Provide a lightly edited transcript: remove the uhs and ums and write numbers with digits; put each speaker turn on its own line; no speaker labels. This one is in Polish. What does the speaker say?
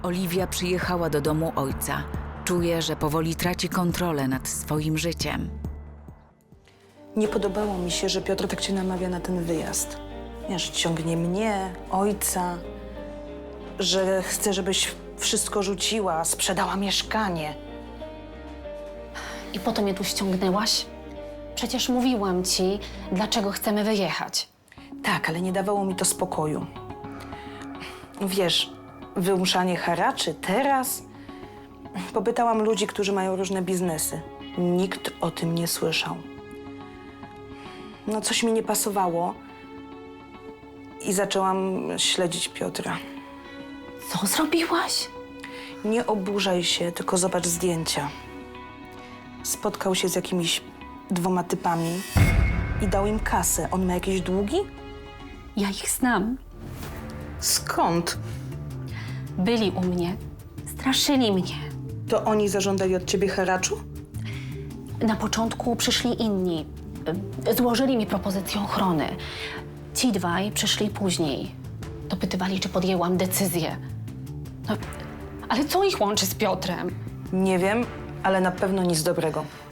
Oliwia przyjechała do domu ojca. Czuje, że powoli traci kontrolę nad swoim życiem.
Nie podobało mi się, że Piotr tak cię namawia na ten wyjazd. Wiesz, ciągnie mnie, ojca, że chce, żebyś wszystko rzuciła, sprzedała mieszkanie.
I po to mnie tu ściągnęłaś? Przecież mówiłam ci, dlaczego chcemy wyjechać.
Tak, ale nie dawało mi to spokoju. Wiesz, wymuszanie haraczy teraz? Popytałam ludzi, którzy mają różne biznesy. Nikt o tym nie słyszał. No, coś mi nie pasowało i zaczęłam śledzić Piotra.
Co zrobiłaś?
Nie oburzaj się, tylko zobacz zdjęcia. Spotkał się z jakimiś 2 typami i dał im kasę. On ma jakieś długi?
Ja ich znam.
Skąd?
Byli u mnie. Straszyli mnie.
To oni zażądali od ciebie haraczu?
Na początku przyszli inni. Złożyli mi propozycję ochrony. Ci dwaj przyszli później. Dopytywali, czy podjęłam decyzję. No, ale co ich łączy z Piotrem?
Nie wiem, ale na pewno nic dobrego.